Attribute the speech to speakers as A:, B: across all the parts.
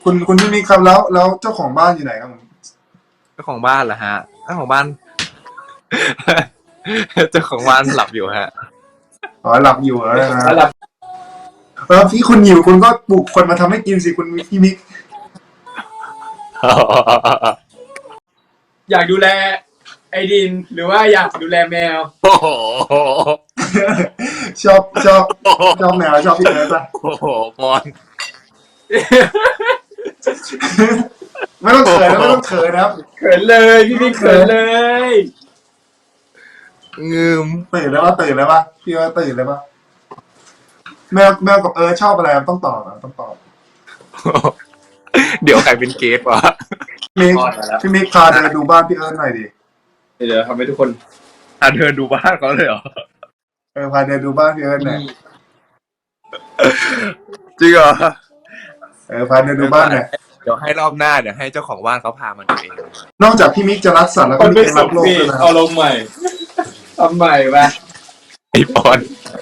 A: คุณพี่มิกครับแล้วเจ้าของบ้านอยู่ไหนครับผม
B: เจ้าของบ้านเหรอฮะเจ้าของบ้าน เจ้าของบ้านหลับอยู่ฮะ
A: อ๋อหลับอยู่แล้วนะ
C: ระดับ
A: พี่คุณหิวคุณก็ปลุกคนมาทำให้กินสิคุณพี่มิก
C: อยากดูแลไอดินหรือว่าอยากดูแลแมว
B: โอ้โห
A: ชอบแมวชอบพี่เอิร์ธป่ะ
B: โอ้โหปอน
A: ไม่ต้องเขินนะไม่ต้องเขินนะครับ
C: เขินเลยพี่มิกเขินเลย
B: งืม
A: ตื่นแล้วป่ะพี่เอิร์ธตื่นแล้วป่ะแมวกับเอิร์ธชอบอะไรต้องตอบต้องตอบ
B: เดี๋ยวใครเป็นเกสวะ
A: พี่มิกพาเดินดูบ้านพี่เอิร์ธหน่อยดิ
C: เดี๋ยวทำให้ทุกคน
B: เดินดูบ้านเขาเลยเหรอ
A: พาเดินดูบ้านพี่เอิร์ธหน่อย
B: จริงเหรอ
A: พาเดินดูบ้านหน่อย
B: เดี๋ยวให้รอบหน้าเดี๋ยวให้เจ้าของบ้านเขาพามาดูเอง
A: นอกจากพี่มิกจะรักสัตว์แล้ว
C: ค
A: ก็
C: น
A: มี
C: เป็น
A: เอง
C: สุ
A: รั
C: ข
A: กโลก
C: พี่
A: ด้วยนะ
C: เอาลงใหม่ทำใหม่ไป
B: ไอ้ปอน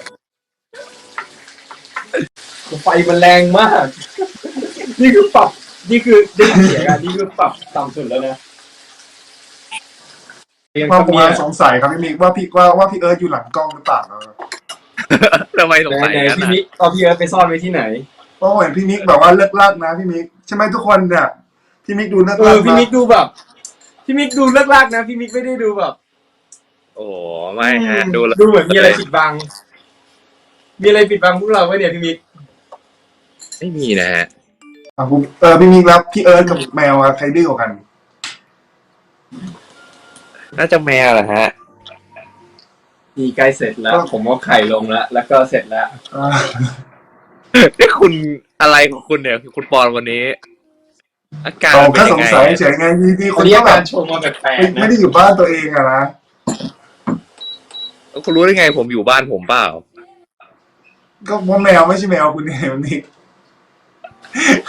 C: ไฟมันแรงมาก นี่คือปรับนี่คือได้ยินเสียงอ่ะนี่คือปรับต่ำสุดแล้วนะยัง
A: ว่า
C: ทำ
A: ผม
C: เนี่ย
A: สงสัยครับพี่มิกว่าพี่เอิร์ธอยู่หลังกล้องหรือเปล่า
B: ทำไมสงสัย
C: ไหน
B: กัน
C: พี่
B: นะ
C: มิกเอาพี่เอิร์ธไปซ่อนไว้ที่ไหน
A: เพราะผมเห็นพี่มิกแบบว่าเลิกลากนะพี่มิกใช่ไหมทุกคนเนี่ยพี่มิกดูเลิกลาก
C: พี่มิกดูแบบพี่มิกดูเลิกลากนะพี่มิกไม่ได้ดูแบบ
B: โอ้ไม่ฮะดูแล้ว
C: ดูเหมือนมีอะไรปิดบัง มีอะไรปิดบังพวกเราไว้เนี่ยพี่มิก
B: ไม่มีนะฮะ
A: พี่มิกแล้วพี่เอิร์ธกับแมวใครดื้อกว่ากัน
B: น่าจะแมวเหรอฮะ
C: นี่ใกล้เสร็จแล้ว ผมเอาไข่ลงแล้วก็เสร็จแล้ว
B: นี่คุณอะไรของคุณเนี่ยคุณปอนวันนี้ อาการ
A: ผม
B: เป็
A: แค่
B: น
A: ส
B: ยัง
A: ง
B: ไง
A: สัยเฉยไงที่
C: อั
A: คุ
C: น
A: ณ
C: นี้
A: ก็
C: อา
A: แบ
C: การ
A: บ
C: ชงมาแปลกๆ
A: ไม่
C: นะ
A: ได้อยู่บ้านตัวเองอะนะ
B: คุณรู้ได้ไงผมอยู่บ้านผมเปล่า
A: ก็ว่าแมวไม่ใช่แมวคุณเนี่ยมันนี่